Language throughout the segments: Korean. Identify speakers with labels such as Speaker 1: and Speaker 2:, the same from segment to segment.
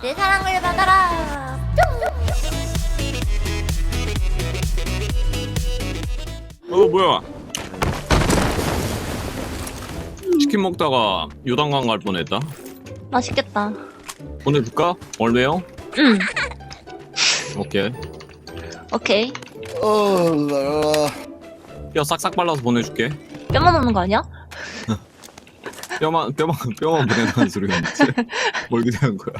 Speaker 1: 내 사랑을 받아라.
Speaker 2: 뭐야? 치킨 먹다가 요단강 갈 뻔했다.
Speaker 1: 맛있겠다.
Speaker 2: 보내줄까? 얼마요?
Speaker 1: 응.
Speaker 2: 오케이.
Speaker 1: 오케이.
Speaker 2: 뼈 싹싹 발라서 보내줄게.
Speaker 1: 뼈만 넣는 거 아니야?
Speaker 2: 뼈만 보내는 소리가 있지. 뭘 기대한 거야?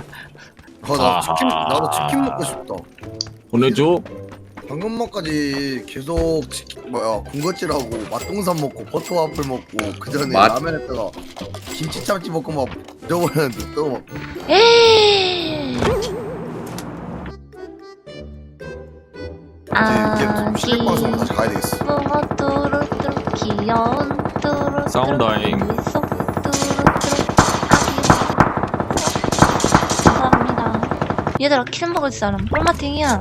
Speaker 3: 나도 치킨 먹고 싶다.
Speaker 2: 보내줘.
Speaker 3: 방금 전까지 계속 군것질하고 맛동산 먹고 버터와플 먹고 그 전에 라면 했다가 김치 참치 먹고 막 잊어버렸는데 또 막.
Speaker 1: 에이.
Speaker 3: 이제 실력 방송 다시 가야 되겠어.
Speaker 1: 뚜루뚜루 귀여운 뚜루
Speaker 2: 사운드잉.
Speaker 1: 감사합니다. 얘들아 킬 먹을 사람 꿀마팅이야.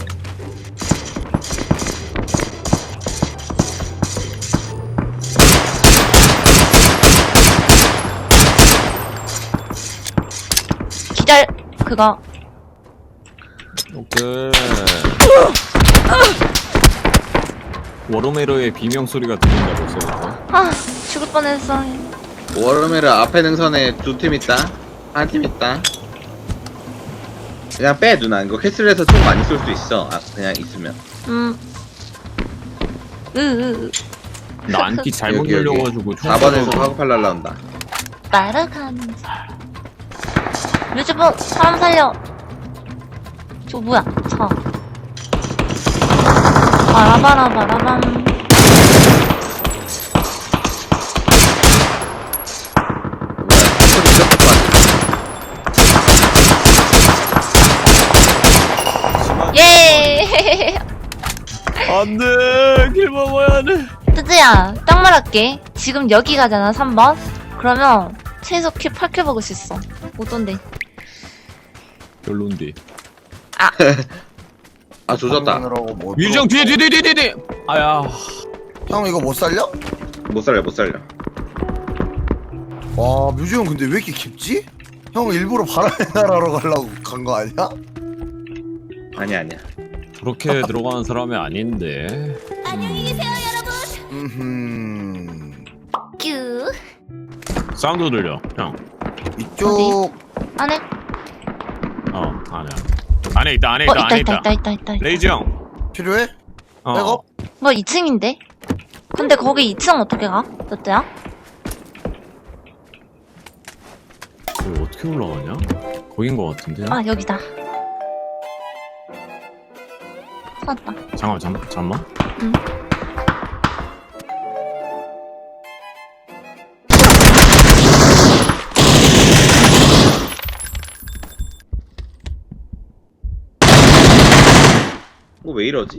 Speaker 1: 기다려 그거.
Speaker 2: 오케이. 워로메로의 비명 소리가 들린다 벌써.
Speaker 1: 아 죽을 뻔했어.
Speaker 4: 워르메르 앞에 능선에 두 팀 있다. 한 팀 있다. 그냥 빼 누나. 이거 캐슬에서 총 많이 쏠 수 있어. 그냥 있으면.
Speaker 2: 나 안티 잘못
Speaker 4: 여기, 여기.
Speaker 2: 눌려가지고
Speaker 4: 4번에서 카고팔 날라온다.
Speaker 1: 날아가는 사람. 류주봉 사람 살려. 저 뭐야? 차. 바라바라바라밤.
Speaker 4: 소리 이렇게 빠지.
Speaker 1: 예.
Speaker 2: 안돼. 길 먹어야 돼.
Speaker 1: 뜨지야, 딱 말할게. 지금 여기 가잖아, 3번. 그러면 최소 킬 8킬 먹을 수 있어. 어떤데?
Speaker 2: 별론데.
Speaker 4: 아 조졌다.
Speaker 2: 유정 뒤에. 아야.
Speaker 3: 형 이거 못 살려?
Speaker 4: 못 살려 못 살려.
Speaker 3: 와 뮤지 형 근데 왜 이렇게 깊지? 형 일부러 바람의 나라로 가려고 간 거 아니야?
Speaker 4: 아니야 아니야.
Speaker 2: 그렇게 들어가는 사람이 아닌데.
Speaker 1: 안녕히 계세요, 큐.
Speaker 2: 사운드 들려. 형.
Speaker 3: 이쪽
Speaker 1: 안에?
Speaker 2: 안에 있다. 안에 있다.
Speaker 1: 있다.
Speaker 2: 레이즈 형.
Speaker 3: 필요해?
Speaker 2: 어.
Speaker 3: 백업?
Speaker 1: 뭐 2층인데? 근데 거기 2층 어떻게 가? 너때야?
Speaker 2: 여기 어떻게 올라가냐? 거긴 거 같은데.
Speaker 1: 아, 여기다. 찾았다.
Speaker 2: 잠깐만.
Speaker 1: 응.
Speaker 4: 왜 이러지?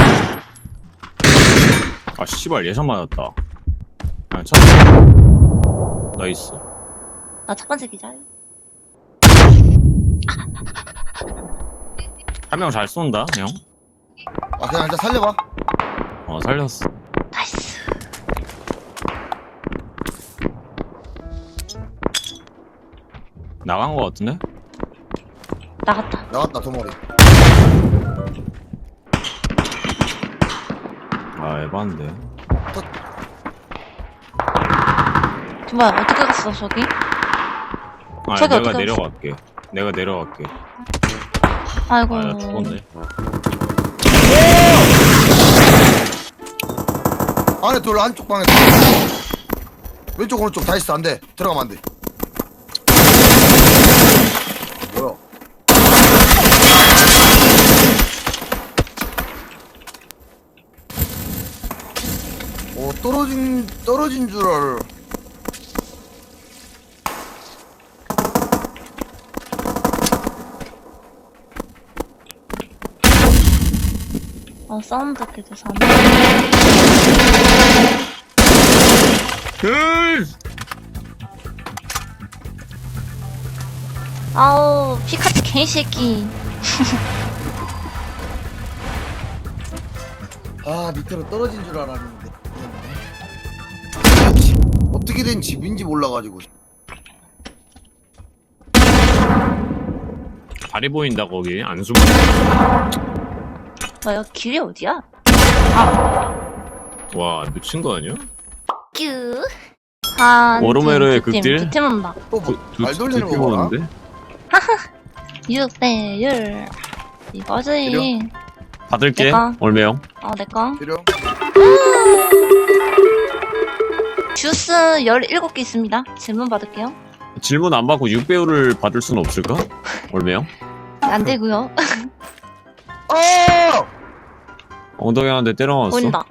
Speaker 2: 아 씨발 예상 맞았다. 아 첫. 나이스.
Speaker 1: 나 첫 번째 기절.
Speaker 2: 한 명 잘 쏜다 형.
Speaker 3: 아 그냥 일단 살려봐.
Speaker 2: 살렸어.
Speaker 1: 나이스.
Speaker 2: 나간 거 같은데?
Speaker 1: 나갔다.
Speaker 3: 도머리.
Speaker 2: 아 에반데.
Speaker 1: 뭐야, 어떻게 갔어, 저기?
Speaker 2: 아
Speaker 1: 저기
Speaker 2: 내가
Speaker 1: 어떻게
Speaker 2: 내려갈게. 내가 내려갈게.
Speaker 1: 아이고.
Speaker 2: 아 나 죽었네.
Speaker 3: 안에 둘 한쪽 방에 왼쪽 오른쪽 다 있어. 안돼 들어가면 안돼. 뭐야? 떨어진 줄 알아.
Speaker 1: 사운드 계속 사네. 아우, 피카츄 개새끼.
Speaker 3: 아 밑으로 떨어진 줄 알았는데 어떻게 된 집인지 몰라가지고
Speaker 2: 다리 보인다 거기 안 숨어.
Speaker 1: 뭐야, 길이 어디야?
Speaker 2: 와 미친 거 아니야?
Speaker 1: 뀨. 한
Speaker 2: 워로메르의
Speaker 1: 팀,
Speaker 2: 극딜?
Speaker 1: 두 팀 온다.
Speaker 3: 또말 돌리는
Speaker 2: 두팀
Speaker 3: 거 봐라.
Speaker 2: 오는데?
Speaker 1: 6대1. 이거지.
Speaker 2: 받을게.
Speaker 1: 내가.
Speaker 2: 올메영.
Speaker 1: 내꺼.
Speaker 3: 필요?
Speaker 1: 주스 17개 있습니다. 질문 받을게요.
Speaker 2: 질문 안 받고 6배우를 받을 수는 없을까? 올메영.
Speaker 1: 안 되고요.
Speaker 2: 엉덩이 한 대 때려 맞았어.
Speaker 1: 보인다.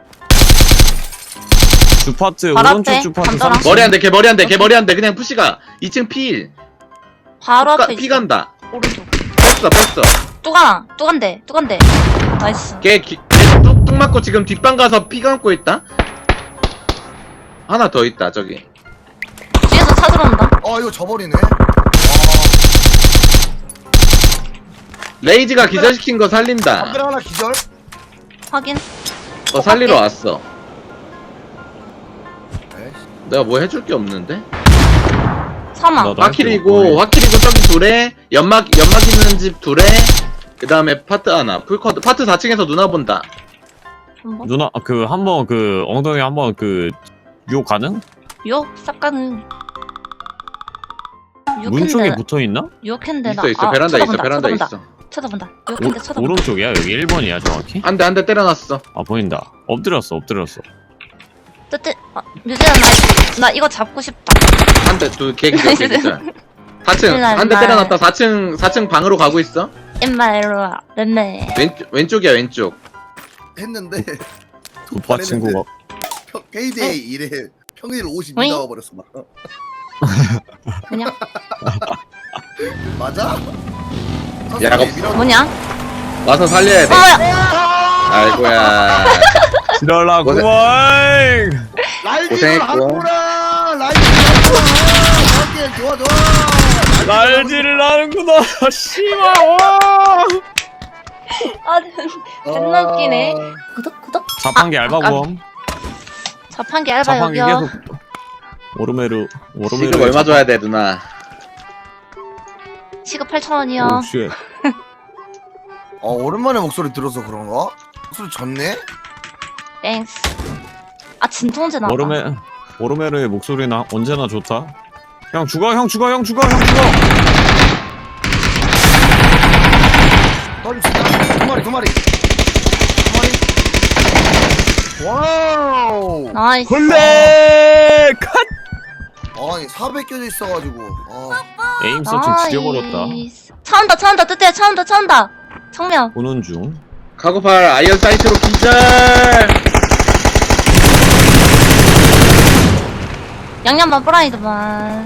Speaker 2: 주파트
Speaker 1: 바로
Speaker 2: 오른쪽
Speaker 1: 앞에
Speaker 2: 주파트
Speaker 1: 간다라.
Speaker 2: 30.
Speaker 4: 머리 안 돼, 걔 머리 안 돼, 걔 머리 안 돼. 그냥 푸시가 2층 필.
Speaker 1: 바로 앞에
Speaker 4: 피
Speaker 1: 있어.
Speaker 4: 간다.
Speaker 1: 오른쪽.
Speaker 4: 뺐어.
Speaker 1: 뚜간데. 나이스.
Speaker 4: 걔 뚝 맞고 지금 뒷방 가서 피 감고 있다. 하나 더 있다, 저기.
Speaker 1: 뒤에서 차 들어온다.
Speaker 3: 이거 져버리네.
Speaker 4: 레이지가 기절시킨 거 살린다.
Speaker 3: 담배 하나 기절?
Speaker 1: 확인.
Speaker 4: 살리러 왔어.
Speaker 3: 에이씨.
Speaker 4: 내가 뭐 해줄 게 없는데?
Speaker 1: 사망.
Speaker 2: 나도
Speaker 4: 화킬이고 저기 둘에 연막 있는 집 둘에 그 다음에 파트 하나 풀커드 파트 4층에서 누나 본다.
Speaker 1: 한번.
Speaker 2: 누나 그 한번 그 엉덩이 한번 그 유혹 가능?
Speaker 1: 요? 싹가는.
Speaker 2: 문 쪽에 붙어 있나?
Speaker 1: 유혹했는데 나.
Speaker 4: 있어 베란다 있어
Speaker 1: 쳐다본다,
Speaker 4: 베란다
Speaker 1: 쳐다본다.
Speaker 4: 있어.
Speaker 1: 쳐다본다. 유혹했는데 쳐다본다.
Speaker 2: 오른쪽이야 여기 1번이야 정확히?
Speaker 4: 한 대 때려놨어.
Speaker 2: 아 보인다. 엎드렸어.
Speaker 1: 뜨뜻. 뮤지야 나 이거 잡고 싶다.
Speaker 4: 한 대 걔 기절 걔 기절. 4층
Speaker 1: 일날,
Speaker 4: 한 대
Speaker 1: 일날.
Speaker 4: 때려놨다. 4층 방으로 가고 있어.
Speaker 1: 임마 이리 와. 맴매.
Speaker 4: 왼쪽이야 왼쪽.
Speaker 3: 했는데
Speaker 2: 오빠 친구가
Speaker 3: 페이데이 일에 평일 52
Speaker 1: 어이?
Speaker 3: 나와버렸어 막.
Speaker 1: 그냥
Speaker 3: 맞아?
Speaker 4: 야,
Speaker 1: 뭐냐?
Speaker 4: 와서 살려야 돼. 아이고야.
Speaker 2: 지랄라구만.
Speaker 3: 라이딩을
Speaker 4: 고생했고.
Speaker 3: 하는구나. 라이딩을 하는구나. 좋아.
Speaker 2: 날지를 하는구나. 씨발.
Speaker 1: 존나 웃기네. 구독.
Speaker 2: 자판기 알바고.
Speaker 1: 자판기 알바
Speaker 2: 자판기
Speaker 1: 여기요.
Speaker 2: 계속. 오르메르.
Speaker 4: 지금 얼마 줘야 돼 누나?
Speaker 1: 시급 8,000원이요.
Speaker 2: 오 쉣.
Speaker 3: 오랜만에 목소리 들어서 그런가? 목소리 졌네?
Speaker 1: 땡스. 진통제 나왔다.
Speaker 2: 오르메르의 목소리는 언제나 좋다. 형 죽어.
Speaker 3: 빨리 진짜 두 마리. 와우.
Speaker 1: 나이스.
Speaker 2: 콜레 컷.
Speaker 3: 아니 400 껴져 있어가지고.
Speaker 2: 에임 서치 지려버렸다.
Speaker 1: 차 온다. 뜨뜻해. 차 온다. 청명.
Speaker 2: 보는 중.
Speaker 4: 카고팔 아이언 사이트로 기절.
Speaker 1: 양념만 프라이드만.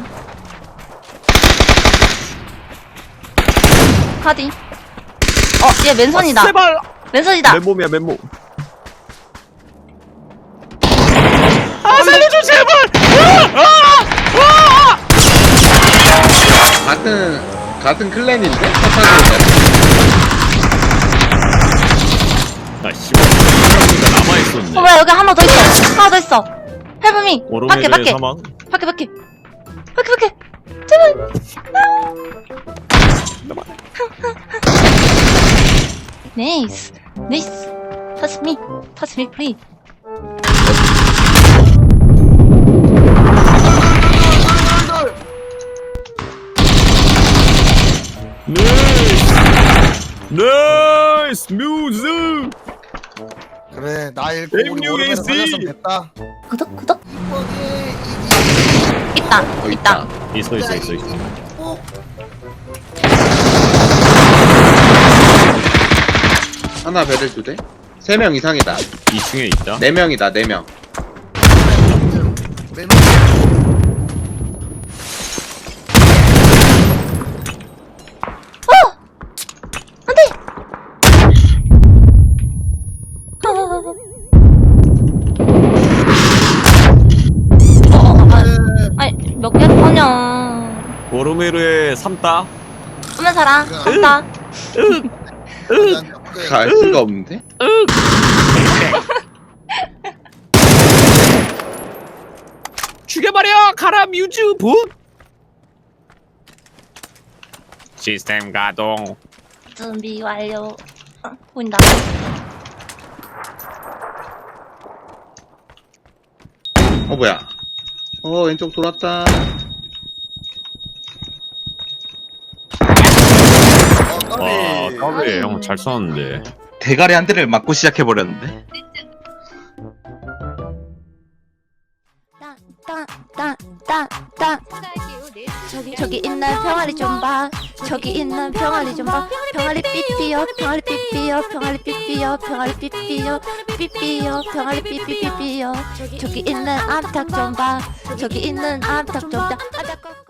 Speaker 1: 카디. 얘 맨손이다.
Speaker 2: 제발.
Speaker 1: 맨손이다.
Speaker 2: 맨몸이야 맨몸.
Speaker 1: 살려줘 제발.
Speaker 4: 같은 클랜인데?
Speaker 2: 아 씨발. 생각보다 남아 있었네.
Speaker 1: 뭐야 여기 하나 더 있어. 헬프미. 밖에.
Speaker 2: 오르메르의 사망.
Speaker 1: 밖에. 제발. 나이스. Touch me, please.
Speaker 2: 나이스 뮤즈.
Speaker 3: 그래 나 읽고 우리
Speaker 2: MUAC.
Speaker 3: 오랜만에 살렸으면 됐다.
Speaker 1: 구독.
Speaker 3: 이번에
Speaker 1: 있다.
Speaker 2: 있어.
Speaker 4: 하나 배를 2대? 3명 이상이다.
Speaker 2: 2층에 있다.
Speaker 4: 4명이다 4명.
Speaker 1: 몇 개를 꺼냐.
Speaker 2: 오르메르의 3따.
Speaker 1: 쏘면 살아. 간다.
Speaker 4: 갈 수가 없는데?
Speaker 2: 죽여버려! 가라 뮤즈 분! 시스템 가동.
Speaker 1: 준비 완료. 보인다.
Speaker 4: 뭐야? 왼쪽 돌았다.
Speaker 3: 까비.
Speaker 2: 와, 까비 형 잘 쏘는데.
Speaker 4: 대가리 한 대를 맞고 시작해버렸는데.
Speaker 1: 땅. 저기 있는 병아리 좀 봐. 저기 있는 병아리 좀 봐. 병아리 삐삐요. 병아리 삐삐요. 병아리 삐삐요. 병아리 삐삐요. 삐삐요. 병아리 삐삐삐삐요. 저기 있는 암탉 좀 봐. 저기 있는 암탉 좀 봐.